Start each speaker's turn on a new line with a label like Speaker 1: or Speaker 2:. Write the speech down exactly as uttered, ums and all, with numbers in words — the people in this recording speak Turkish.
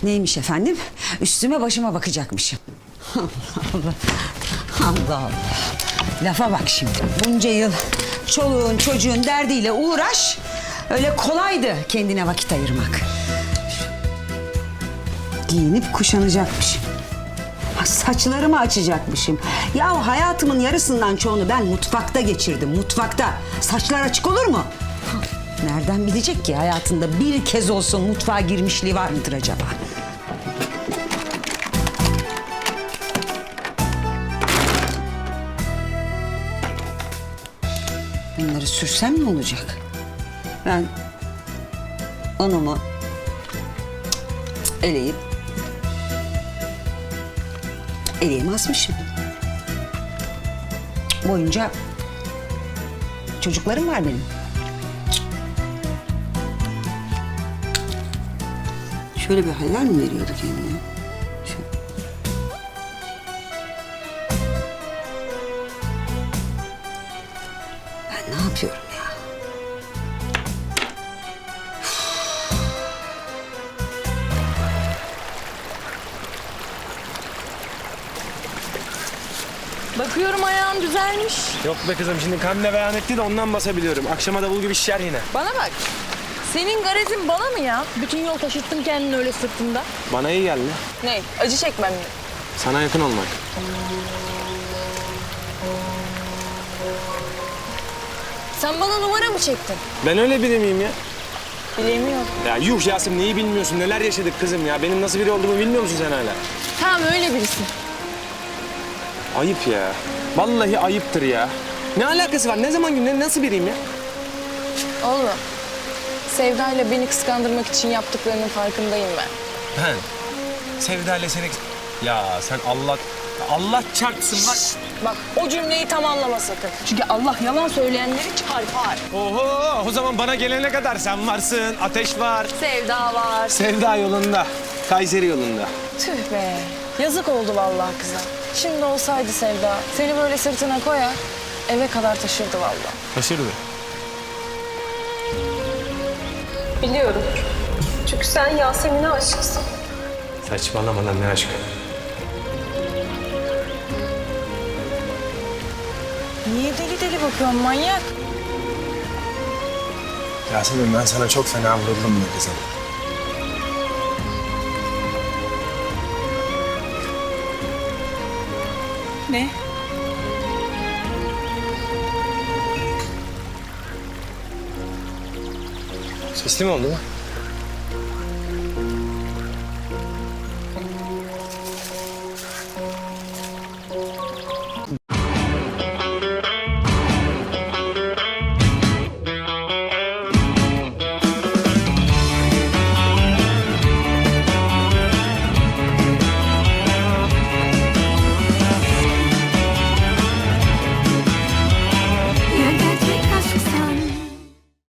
Speaker 1: Neymiş efendim? Üstüme başıma bakacakmışım. Allah Allah. Allah Allah. Lafa bak şimdi. Bunca yıl çoluğun çocuğun derdiyle uğraş. Öyle kolaydı kendine vakit ayırmak. Giyinip kuşanacakmışım. Ha, saçlarımı açacakmışım. Ya hayatımın yarısından çoğunu ben mutfakta geçirdim. Mutfakta. Saçlar açık olur mu? Ha, nereden bilecek ki hayatında bir kez olsun mutfağa girmişliği var mıdır acaba? Bunları sürsem ne olacak? Ben onumu eleyip eleğimi asmışım. Boyunca çocuklarım var benim. Şöyle bir haller mi veriyordu kendine? Şöyle. Ben ne yapıyorum ya?
Speaker 2: Bakıyorum ayağın düzelmiş.
Speaker 3: Yok be kızım, şimdi Kamile beyan etti de ondan basabiliyorum. Akşama davul gibi şişer yine.
Speaker 2: Bana bak. Senin garezin bana mı ya? Bütün yol taşıttın kendini öyle sırtında.
Speaker 3: Bana iyi geldi.
Speaker 2: Ne? Acı çekmem mi?
Speaker 3: Sana yakın olmak.
Speaker 2: Sen bana numara mı çektin?
Speaker 3: Ben öyle biri miyim ya?
Speaker 2: Bilemiyorum.
Speaker 3: Ya yuh Yasemin, neyi bilmiyorsun? Neler yaşadık kızım ya? Benim nasıl biri olduğumu bilmiyor musun sen hala?
Speaker 2: Tamam öyle birisin.
Speaker 3: Ayıp ya. Vallahi ayıptır ya. Ne alakası var? Ne zaman ne nasıl biriyim ya?
Speaker 2: Oğlum. Sevda ile beni kıskandırmak için yaptıklarının farkındayım ben.
Speaker 3: Ben Sevda ile seni... Ya sen Allah... Allah çarpsın lan.
Speaker 2: Bak o cümleyi tamamlama sakın. Çünkü Allah yalan söyleyenleri çarpar.
Speaker 3: Oho, o zaman bana gelene kadar sen varsın. Ateş var.
Speaker 2: Sevda var.
Speaker 3: Sevda yolunda. Kayseri yolunda.
Speaker 2: Tüh be. Yazık oldu vallahi kıza. Şimdi olsaydı Sevda seni böyle sırtına koyar eve kadar taşırdı vallahi.
Speaker 3: Taşırdı.
Speaker 4: Biliyorum. Çünkü sen Yasemin'e aşıksın.
Speaker 3: Saçmalama lan, ne aşkı.
Speaker 2: Niye deli deli bakıyorsun manyak?
Speaker 3: Yasemin, ben sana çok fena vuruldum mu kızım?
Speaker 2: Ne?
Speaker 3: Sesli mi oldu bu?